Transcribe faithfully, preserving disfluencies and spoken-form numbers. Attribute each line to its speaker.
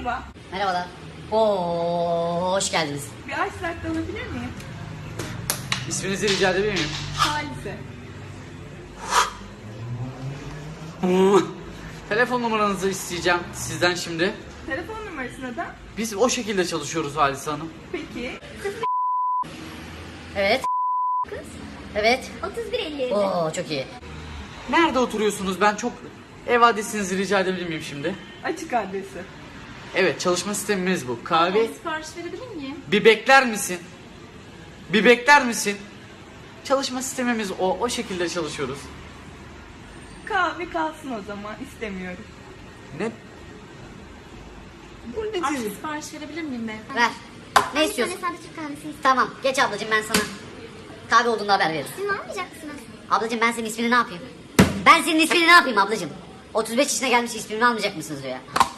Speaker 1: Merhaba.
Speaker 2: Merhabalar. Oo, hoş geldiniz.
Speaker 1: Bir ice latte alabilir miyim?
Speaker 3: İsminizi rica edebilir miyim?
Speaker 1: Halise.
Speaker 3: Telefon numaranızı isteyeceğim sizden şimdi.
Speaker 1: Telefon numarası neden?
Speaker 3: Biz o şekilde çalışıyoruz Halise Hanım.
Speaker 1: Peki.
Speaker 2: Evet. Evet.
Speaker 4: otuz bir elli.
Speaker 2: Oo, çok iyi.
Speaker 3: Nerede oturuyorsunuz? Ben çok ev adresinizi rica edebilir miyim şimdi?
Speaker 1: Açık adresi.
Speaker 3: Evet, çalışma sistemimiz bu. Kahve.
Speaker 4: Sipariş verebilir miyim?
Speaker 3: Bir bekler misin? Bir bekler misin? Çalışma sistemimiz o. O şekilde çalışıyoruz.
Speaker 1: Kahve kalsın o zaman. İstemiyorum.
Speaker 3: Ne? Bu ne
Speaker 4: Artık
Speaker 3: dizi?
Speaker 4: sipariş verebilir miyim ben?
Speaker 2: Ver. Ne
Speaker 4: Bir
Speaker 2: istiyorsun?
Speaker 4: tane sade Türk kahvesi istiyorum.
Speaker 2: Tamam, geç ablacığım, ben sana kahve olduğunda haber veririm.
Speaker 4: Siz almayacak mısınız?
Speaker 2: Ablacığım, ben senin ismini ne yapayım? Ben senin ismini ne yapayım ablacığım? otuz beş yaşına gelmiş, ismini almayacak mısınız diyor ya.